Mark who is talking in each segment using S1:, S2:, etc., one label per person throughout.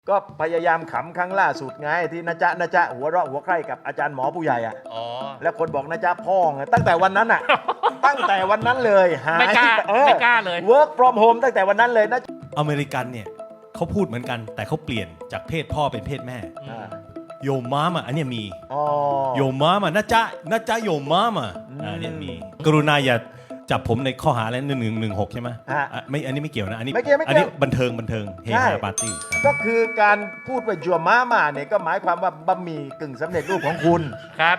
S1: ก็พยายามขำครั้งล่าสุดไงที่นะจ๊ะหัวเราะหัวใคร่กับอาจารย์หมอผู้ใหญ่อ่ะแล้วคนบอกนะจ๊ะพ่อไงตั้งแต่วันนั้นอ่ะ ตั้งแต่วันนั้นเลยหาย
S2: ไม่กล้าเลย
S1: work from home ตั้งแต่วันนั้นเลยนะ
S3: อเมริกันเนี่ยเขาพูดเหมือนกันแต่เขาเปลี่ยนจากเพศพ่อเป็นเพศแม่โยมามาอันเนี้ยมีโยมามานะจ๊ะโยมามาอันเนี้ยมีกรุณาอย่าจับผมในข้อหาอะไร1116ใช่ไหมไม่อันนี้ไม่เกี่ยวนะอันนี้บันเทิงเฮฮาปาร์ตี้
S1: ก็คือการพูดว่าจัวม้ามาเนี่ยก็หมายความว่าบะหมี่กึ่งสำเร็จรูปของคุณ
S2: ครับ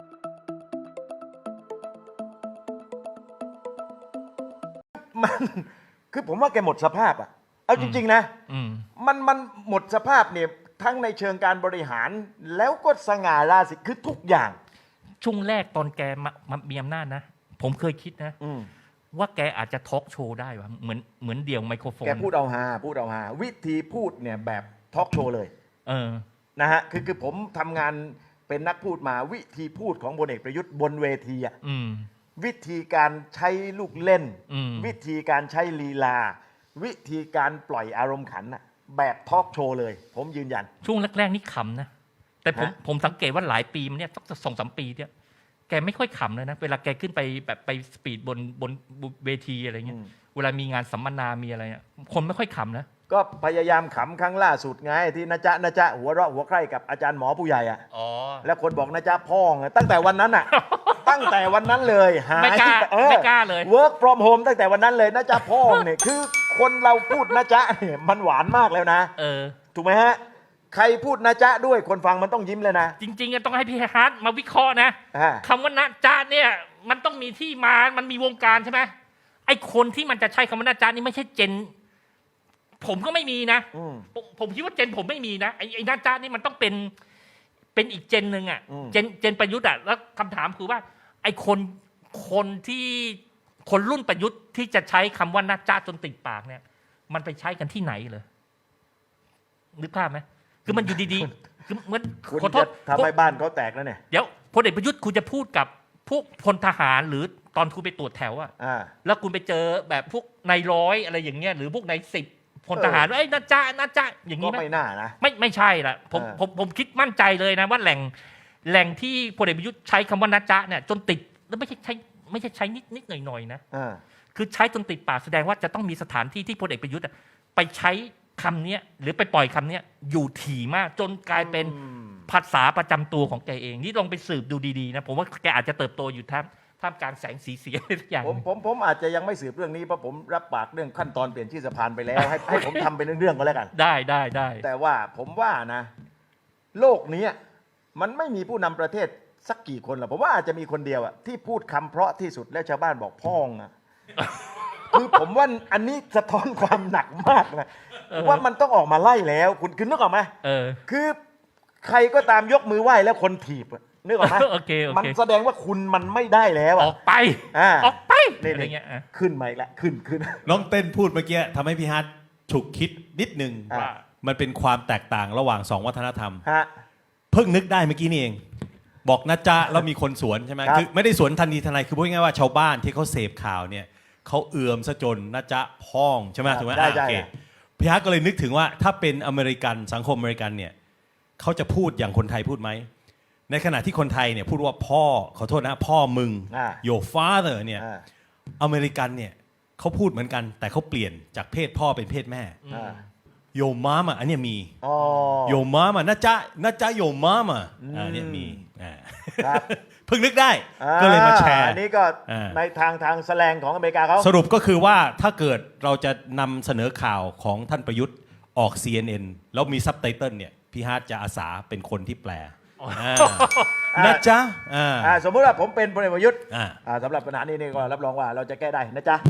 S1: มันคือผมว่าแกหมดสภาพอ่ะเอาจริงๆนะมันหมดสภาพเนี่ยทั้งในเชิงการบริหารแล้วก็สง่าราศีคือทุกอย่าง
S2: ช่วงแรกตอนแกมามีอำนาจนะผมเคยคิดนะว่าแกอาจจะทอล์กโชว์ได้วะเหมือนเดี่ยวไมโครโฟน
S1: แกพูดเอาฮาวิธีพูดเนี่ยแบบทอล์กโชว์เลยนะฮะคือผมทำงานเป็นนักพูดมาวิธีพูดของพลเอกประยุทธ์บนเวทีอ่ะวิธีการใช้ลูกเล่นวิธีการใช้ลีลาวิธีการปล่อยอารมณ์ขันอะแบบทอล์กโชว์เลยผมยืนยัน
S2: ช่วงแรกๆนี่ขำนะแต่ผมสังเกตว่าหลายปีมันเนี่ยสัก 2-3 ปีเนี่ยแกไม่ค่อยขำเลยนะเวลาแกขึ้นไปแบบไปสปีดบนเวทีอะไรเงี้ยเวลามีงานสัมมนามีอะไรเนี่ยคนไม่ค่อยขำนะ
S1: ก็พยายามขำครั้งล่าสุดไงที่นะจ๊ะหัวเราะหัวใคร่กับอาจารย์หมอผู้ใหญ่อ่ะแล้วคนบอกนะจ๊ะพ่อไงตั้งแต่วันนั้นอ่ะ ตั้งแต่วันนั้นเลยหาย
S2: ไม่กล้าเลย
S1: work from home ตั้งแต่วันนั้นเลยนะจ๊ะพ่อเนี่ยคือคนเราพูดนะจ๊ะเนี่ยมันหวานมากแล้วนะถูกไหมฮะใครพูดนะจ๊ะด้วยคนฟังมันต้องยิ้มเลยนะ
S2: จริงๆต้องให้พี่ฮาร์ดมาวิเคราะห์นะคำว่านะจ๊ะเนี่ยมันต้องมีที่มามันมีวงการใช่ไหมไอ้คนที่มันจะใช้คำว่านะจ๊ะนี่ไม่ใช่เจนผมก็ไม่มีนะผมคิดว่าเจนผมไม่มีนะไอ้นะจ๊ะนี่มันต้องเป็นอีกเจนหนึ่งอ่ะเจนประยุทธ์อ่ะแล้วคำถามคือว่าไอ้คนที่คนรุ่นประยุทธ์ที่จะใช้คำว่านะจ๊ะจนติดปากเนี่ยมันไปใช้กันที่ไหนเลยนึกภาพไหมคือมันอยู่ดีๆคือเหมือนขอโทษ
S1: ทำให้บ้านเขาแตกแล้วเนี่ย
S2: เดี๋ยวพลเอกประยุทธ์คุณจะพูดกับพวกพลทหารหรือตอนคุณไปตรวจแถวอ่ะแล้วคุณไปเจอแบบพวกนายร้อยอะไรอย่างเงี้ยหรือพวกนาย10พลทหารว่าไอ้นะจ๊ะอย่างนี้
S1: ไม่น่านะ
S2: ไม่ใช่ละผมคิดมั่นใจเลยนะว่าแหล่งที่พลเอกประยุทธ์ใช้คำว่านะจ๊ะเนี่ยจนติดแล้วไม่ใช่ใช้นิดหน่อยนะคือใช้จนติดปากแสดงว่าจะต้องมีสถานที่ที่พลเอกประยุทธ์ไปใช้คำนี้หรือไปปล่อยคำนี้อยู่ถี่มากจนกลายเป็นภาษาประจำตัวของแกเองนี่ลองไปสืบดูดีๆนะผมว่าแกอาจจะเติบโตอยู่ท่ามกลางแสงสีเสียงทุกอย่าง
S1: ผมอาจจะยังไม่สืบเรื่องนี้เพราะผมรับปากเรื่องขั้นตอนเปลี่ยนชื่อสะพานไปแล้วให้ผมทำเป็นเรื่องๆก็แล้วกัน
S2: ได้
S1: แต่ว่าผมว่านะโลกนี้มันไม่มีผู้นำประเทศสักกี่คนหรอกผมว่าอาจจะมีคนเดียวอะที่พูดคำเพราะที่สุดแล้วชาวบ้านบอกพ้องอะคือผมว่าอันนี้สะท้อนความหนักมากนะว่ามันต้องออกมาไล่แล้วคุณนึกออกไหมคือใครก็ตามยกมือไหว้แล้วคนถีบนึกออกไหมมันแสดงว่าคุณมันไม่ได้แล้ว
S2: ออกไปอะไรเงี้ย
S1: ขึ้นมาอีกแล้วขึ้น
S3: น้องเต้นพูดเมื่อกี้ทำให้พี่ฮัทฉุกคิดนิดนึงว่ามันเป็นความแตกต่างระหว่างสองวัฒนธรรมเพิ่งนึกได้เมื่อกี้นี่เองบอกนะจ๊ะแล้วมีคนสวนใช่ไหมคือไม่ได้สวนทันทีทันใดคือพูดง่ายๆว่าชาวบ้านที่เขาเสพข่าวเนี่ยเขาเอื่อมซะจนนะจ๊ะพ้องใช่ไหมถูกไหม
S1: ได้
S3: พี่ฮัทก็เลยนึกถึงว่าถ้าเป็นอเมริกันสังคมอเมริกันเนี่ยเขาจะพูดอย่างคนไทยพูดไหมในขณะที่คนไทยเนี่ยพูดว่าพ่อขอโทษนะพ่อมึง your father เนี่ยอเมริกันเนี่ยเขาพูดเหมือนกันแต่เขาเปลี่ยนจากเพศพ่อเป็นเพศแม่โยมามาอันเนี้ยมีโยมามานะจ๊ะโยมามาอันเนี้ยมีเพิ่งนึกได้ก็เลยมาแชร์
S1: อันนี้ก็ในทางแสลงของอเมริกาเขา
S3: สรุปก็คือว่าถ้าเกิดเราจะนำเสนอข่าวของท่านประยุทธ์ออก CNN แล้วมีซับไตเติลเนี่ยพี่ฮาร์ดจะอาสาเป็นคนที่แปลนะจ๊ะ
S1: สมมติว่าผมเป็นพลเอกประยุทธ์สำหรับปัญหานี้ก็รับรองว่าเราจะแก้ได้นะจ๊ะ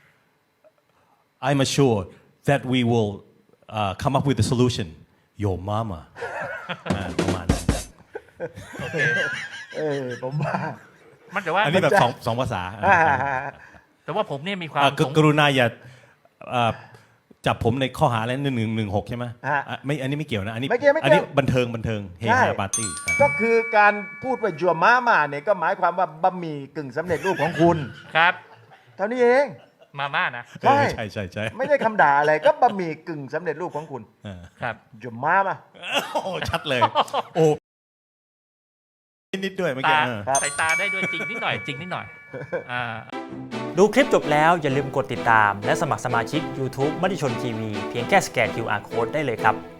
S3: I'm assured that we will come up with a solution your mama ประมาณนั้น
S1: ผมว่า
S2: มันแต่ว่า
S3: อันนี้แบบสองภาษา
S2: แต่ว่าผมเนี่ยมีความ
S3: กรุณาอย่าจับผมในข้อหาอะไร1116ใช่ไหมไม่อันนี้ไม่เกี่ยวนะอันนี้บันเทิงเฮฮาปาร์ตี้
S1: ก็คือการพูดว่าจัวม้ามาเนี่ยก็หมายความว่าบะหมี่กึ่งสำเร็จรูปของคุณ
S2: ครับ
S1: เท่านี้เอง
S2: มาม่านะ
S3: ใช่ใช่ใช่ใช่
S1: ไม่ได้คำด่าอะไรก็บะหมี่กึ่งสำเร็จรูปของคุณ
S2: ครับ
S1: จะมามา
S3: โอ้ชัดเลย โอ้นิดๆด้วยเมื่อกี้
S2: ตา
S1: ครับ
S2: สายตาได้ด้วยจริงนิดหน่อยจริงนิดหน่อย
S4: ดูคลิปจบแล้วอย่าลืมกดติดตามและสมัครสมาชิก YouTube มติชนทีวีเพียงแค่สแกน QR Code ได้เลยครับ